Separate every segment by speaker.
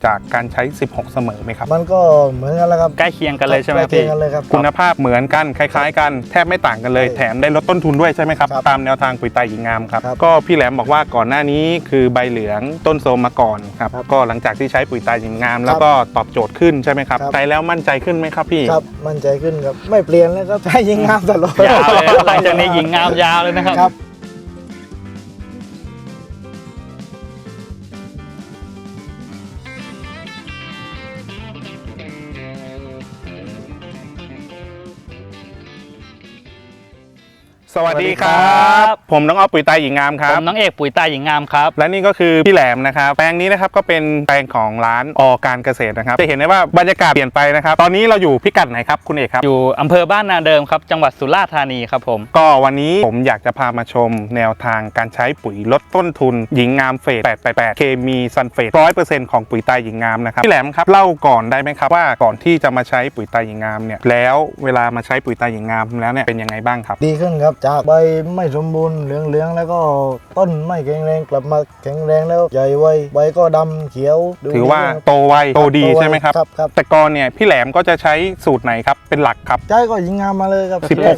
Speaker 1: จากการใช้16เสมอไหมครับ
Speaker 2: มันก็เหมือนกันแล้วครับ
Speaker 3: ใกล้เคียงกันเลยใช่ไหม
Speaker 2: ใกล้เคี
Speaker 3: พี่
Speaker 2: ยงกันเลยครับ
Speaker 1: คุณภาพเหมือนกันคล้ายๆกันแทบไม่ต่างกันเลยแถมได้ลดต้นทุนด้วยใช่ไหมครับตามแนวทางปุ๋ยตาหญิงงามครับก็พี่แหลมบอกว่าก่อนหน้านี้คือใบเหลืองต้นโทรมมาก่อนครับก็หลังจากที่ใช้ปุ๋ยตาหญิงงามแล้วก็ตอบโจทย์ขึ้นใช่ไหมครับใช้แล้วมั่นใจขึ้นไหมครับพี่
Speaker 2: ครับมั่นใจขึ้นครับไม่เปลี่ยนเลยครับใช้ยิงงามตลอด
Speaker 3: ยาวเลยหลังจากนี้หญิงงามยาวเลยนะครับ
Speaker 1: สวัสดีครับผมน้องอ้อปุ๋ยตาหญิงงามครับ
Speaker 3: ผมน้องเอกปุ๋ยตาหญิงงามครับ
Speaker 1: และนี่ก็คือพี่แหลมนะครับแปลงนี้นะครับก็เป็นแปลงของร้านอการเกษตรนะครับจะเห็นได้ว่าบรรยากาศเปลี่ยนไปนะครับตอนนี้เราอยู่พิกัดไหนครับคุณเอกครับ
Speaker 3: อยู่อำเภอบ้านนาเดิมครับจังหวัดสุราษฎร์ธานีครับผม
Speaker 1: ก็วันนี้ผมอยากจะพามาชมแนวทางการใช้ปุ๋ยลดต้นทุนหญิงงามเฟส888เคมีซัลเฟต 100% ของปุ๋ยตาหญิงงามนะครับพี่แหลมครับเล่าก่อนได้ไหมครับว่าก่อนที่จะมาใช้ปุ๋ยตาหญิงงามเนี่ยแล้วเวลามาใช้ปุ๋ยตาหญิงงามแล้วเนี่ยเป็นยังไงบ้างครับ
Speaker 2: ดีขึ้นครับจากใบไม่สมบูรณ์เหลืองๆแล้วก็ต้นไม่แข็งแรงกลับมาแข็งแรงแล้วใหญ่ไวใบก็ดำเขียว
Speaker 1: ถือว่าโตไวโตดีใช่ไหมครับ
Speaker 2: ครับ
Speaker 1: แต่ก่อนเนี่ยพี่แหลมก็จะใช้สูตรไหนครับเป็นหลักครับ
Speaker 2: ใช้ก็ยิงงามมาเลยครับ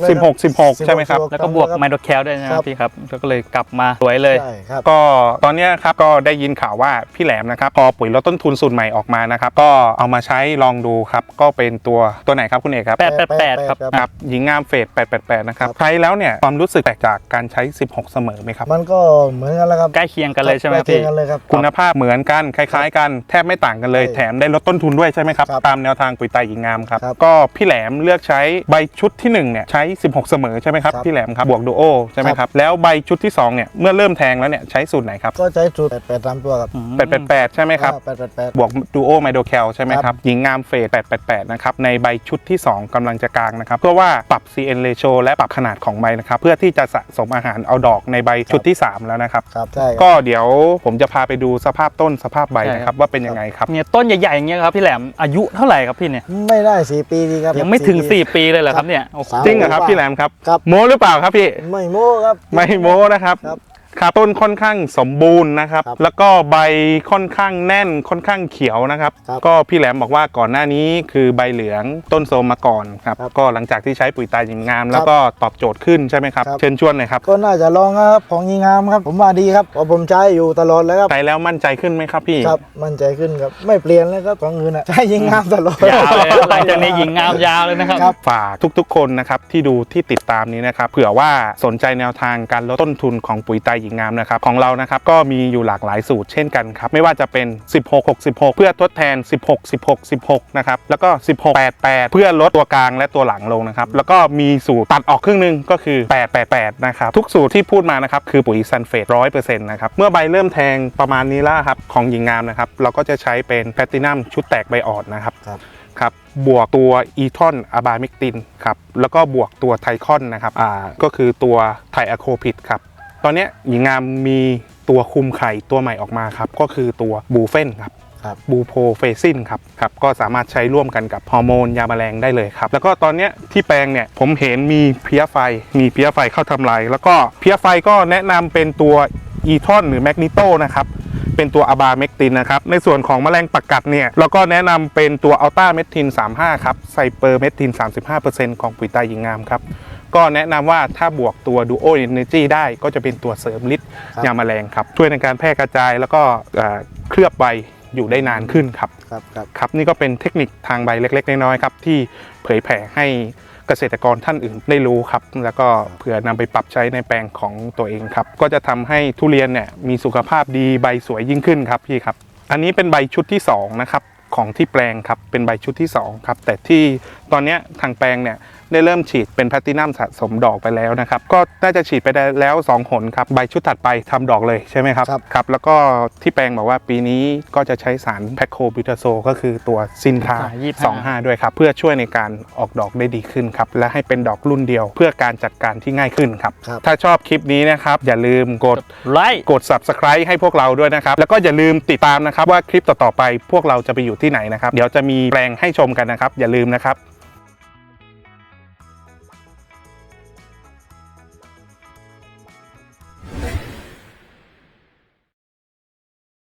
Speaker 1: 16 ใช่ไหมครับ
Speaker 3: แล้วก็บวกไมโดแคลด้วยนะครับพี่ครับแล้วก็เลยกลับมาสวยเลย
Speaker 2: ใช่ครับ
Speaker 1: ก็ตอนนี้ครับก็ได้ยินข่าวว่าพี่แหลมนะครับพอปุ๋ยลดต้นทุนสูตรใหม่ออกมานะครับก็เอามาใช้ลองดูครับก็เป็นตัวไหนครับคุณเอกครับ
Speaker 3: 888ครับ
Speaker 1: หญิงงามเฟส888นะครับใช้แล้วเนี่ยความรู้สึกแตกจากการใช้16เสมอไหมครับ
Speaker 2: มันก็เหมือนกันแล้วครับ
Speaker 3: ใกล้เคียงกันเลยใช่ไหม
Speaker 2: พี่ใกล้เคียงกันเลยครับ
Speaker 1: คุณภาพเหมือนกันคล้ายๆกันแทบไม่ต่างกันเลยแถมได้ลดต้นทุนด้วยใช่ไหมครับตามแนวทางปุ๋ยตาหญิงงามครับก็พี่แหลมเลือกใช้ใบชุดที่1เนี่ยใช้16เสมอใช่ไหมครับพี่แหลมครับบวกดูโอใช่ไหมครับแล้วใบชุดที่2เนี่ยเมื่อเริ่มแทงแล้วเนี่ยใช้สูตรไหนครับ
Speaker 2: ก็ใช้สูตร883ตัวครับ
Speaker 1: 888ใช่ไหมครับ
Speaker 2: 888
Speaker 1: บวกดูโอไมโดแคลใช่ไหมครับหญิงงามเฟส888นะครับในใบชุดที่2กำลังจะกลางนะครับเพื่อว่าปรับ CN ratio และปรับขนาดของใบนะครับเพื่อที่จะสะสมอาหารเอาดอกในใบชุดที่3แล้วนะครับก็เดี๋ยวผมจะพาไปดูสภาพต้นสภาพใบนะครับว่าเป็นยังไงครับ
Speaker 3: เนี่ยต้นใหญ่ๆอย่างเงี้ยครับพี่แหลมอายุเท่าไหร่ครับพี่เนี่ย
Speaker 2: ไม่ได้4ปีดีครับ
Speaker 3: ยังไม่ถึง4ปีเลยเหรอครับเนี่ย
Speaker 1: จริงเหรอครับพี่แหลมครับโม้หรือเปล่าครับพี่
Speaker 2: ไม่โม้ครับ
Speaker 1: ไม่โม้นะครับครับต้นค่อนข้างสมบูรณ์นะครับแล้วก็ใบค่อนข้างแน่นค่อนข้างเขียวนะครับก็พี่แหลมบอกว่าก่อนหน้านี้คือใบเหลืองต้นโทรมมาก่อนครับก็หลังจากที่ใช้ปุ๋ยตาหญิงงามแล้วก็ตอบโจทย์ขึ้นใช่ไหมครับเชิญชวนหน่อยครับ
Speaker 2: ก็น่าจะลองครับของยิงงามครับผมว่าดีครับเพราะผมใช้อยู่ตลอดเลยครับ
Speaker 1: ใช้แล้วมั่นใจขึ้นไหมครับพี่
Speaker 2: ครับมั่นใจขึ้นครับไม่เปลี่ยนเลยครับของอื่นใช้ยิงงามตลอด
Speaker 3: ยาวเลยหลังจากนี้ยิงงามยาวเลยนะครับ
Speaker 1: ฝากทุกๆคนนะครับที่ดูที่ติดตามนี้นะครับเผื่อว่าสนใจแนวทางการลดต้นทุนของปุ๋ยตาหญิงงามนะครับของเรานะครับก็มีอยู่หลากหลายสูตรเช่นกันครับไม่ว่าจะเป็น16-66เพื่อทดแทน16-16-16นะครับแล้วก็16-88เพื่อลดตัวกลางและตัวหลังลงนะครับแล้วก็มีสูตรตัดออกครึ่งนึงก็คือ888นะครับทุกสูตรที่พูดมานะครับคือปุ๋ยซัลเฟต 100% นะครับเมื่อใบเริ่มแทงประมาณนี้แล้วครับของหญิงงามนะครับเราก็จะใช้เป็นแพลตินัมชุดแตกใบอ่อนนะครับครับบวกตัวอีทอนอะบาเมกตินครับแล้วก็บวกตัวไทคอนนะครับก็คือตัวไทอะโคพิดครับตอนนี้หญิงงามมีตัวคุมไข่ตัวใหม่ออกมาครับก็คือตัวบูเฟนครับบูโพเฟซินครับก็สามารถใช้ร่วมกันกับฮอร์โมนยาแมลงได้เลยครับแล้วก็ตอนนี้ที่แปลงเนี่ยผมเห็นมีเพี้ยไฟเข้าทำลายแล้วก็เพี้ยไฟก็แนะนำเป็นตัวอีทอนหรือแมกนิโตนะครับเป็นตัวอะบาเมกตินนะครับในส่วนของแมลงปักกัดเนี่ยเราก็แนะนำเป็นตัวอัลต้าเมทิน35ครับไซเปอร์เมทิน 35% ของปุ๋ยตาหญิงงามครับก็แนะนำว่าถ้าบวกตัว Duo Energy ได้ก็จะเป็นตัวเสริมฤทธิ์ยาแมลงครับช่วยในการแพร่กระจายแล้วก็เคลือบใบอยู่ได้นานขึ้นครับครับนี่ก็เป็นเทคนิคทางใบเล็กๆน้อยๆครับที่เผยแผ่ให้เกษตรกรท่านอื่นได้รู้ครับแล้วก็เผื่อนำไปปรับใช้ในแปลงของตัวเองครับก็จะทำให้ทุเรียนเนี่ยมีสุขภาพดีใบสวยยิ่งขึ้นครับพี่ครับอันนี้เป็นใบชุดที่2นะครับของที่แปลงครับเป็นใบชุดที่2ครับแต่ที่ตอนนี้ทางแปลงเนี่ยได้เริ่มฉีดเป็นแพลตินัมสะสมดอกไปแล้วนะครับก็น่าจะฉีดไปได้แล้ว2หนครับใบชุดถัดไปทำดอกเลยใช่ไหมครับครับแล้วก็ที่แปลงบอกว่าปีนี้ก็จะใช้สารแพคโคบิวทาโซก็คือตัวซินคา25ด้วยครับเพื่อช่วยในการออกดอกได้ดีขึ้นครับและให้เป็นดอกรุ่นเดียวเพื่อการจัดการที่ง่ายขึ้นครับถ้าชอบคลิปนี้นะครับอย่าลืมกด
Speaker 3: ไลค์
Speaker 1: กด Subscribe ให้พวกเราด้วยนะครับแล้วก็อย่าลืมติดตามนะครับว่าคลิปต่อๆไปพวกเราจะไปอยู่ที่ไหนนะครับเดี๋ยวจะมีแปลงให้ชมกันนะครับอย่าลืมนะครับ